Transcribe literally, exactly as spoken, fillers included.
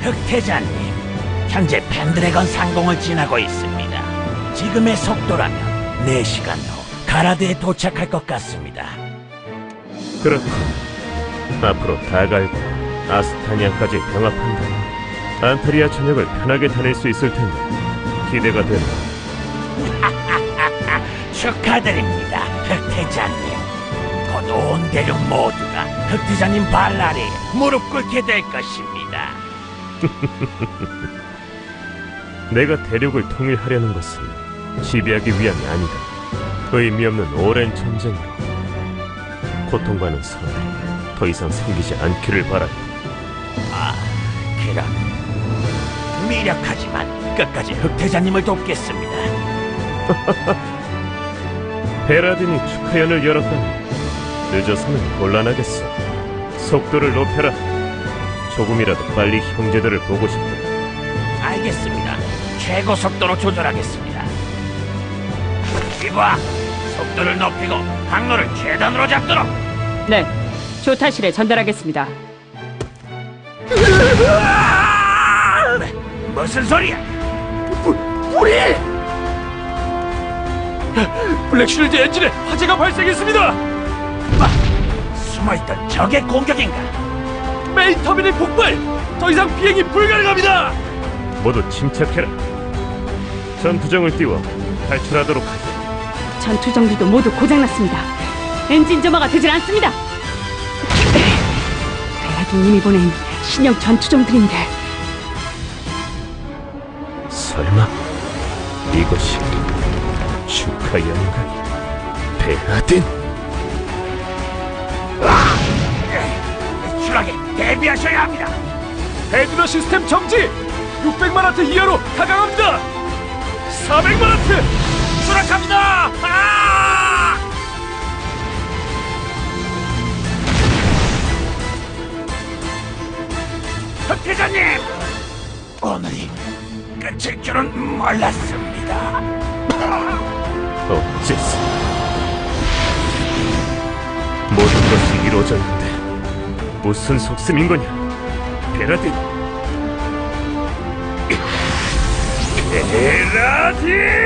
흑태자님, 현재 펜드래건 상공을 지나고 있습니다. 지금의 속도라면 네 시간 후 가라드에 도착할 것 같습니다. 그렇군. 앞으로 다갈과 아스타니아까지 병합한다면 안타리아 전역을 편하게 다닐 수 있을 텐데 기대가 되네. 축하드립니다, 흑태자님. 곧 온 대륙 모두가 흑태자님 발 아래에 무릎 꿇게 될 것입니다. 내가 대륙을 통일하려는 것은 지배하기 위함이 아니다. 의미 없는 오랜 전쟁으로 고통받는 사람들이 더 이상 생기지 않기를 바란다. 아, 그럼 미력하지만 끝까지 흑태자님을 돕겠습니다. 베라딘이 축하연을 열었다니 늦어서는 곤란하겠어. 속도를 높여라. 조금이라도 빨리 형제들을 보고 싶다. 알겠습니다. 최고 속도로 조절하겠습니다. 이봐, 속도를 높이고 항로를 최단으로 잡도록. 네, 조타실에 전달하겠습니다. 무슨 소리야? 부, 불이! 블랙쉴드 엔진에 화재가 발생했습니다. 뭐, 숨어있던 적의 공격인가? 메인 터미널 폭발! 더 이상 비행이 불가능합니다. 모두 침착해라. 전투정을 띄워 탈출하도록 하자. 전투정비도 모두 고장났습니다. 엔진 점화가 되질 않습니다. 베라딘님이 보낸 신형 전투정들인데 설마 이것이 축하연인가? 베라딘? 추락에 대비하셔야 합니다. 헤드러 시스템 정지! 육백만 와트 이하로 하강합니다. 사백만 와트 추락합니다. 아! 흑태자님, 오늘이 끝일 줄은 몰랐습니다. 어째서 모든 것이 이루어졌는데 무슨 속셈인 거냐? 베라딘! 베라딘!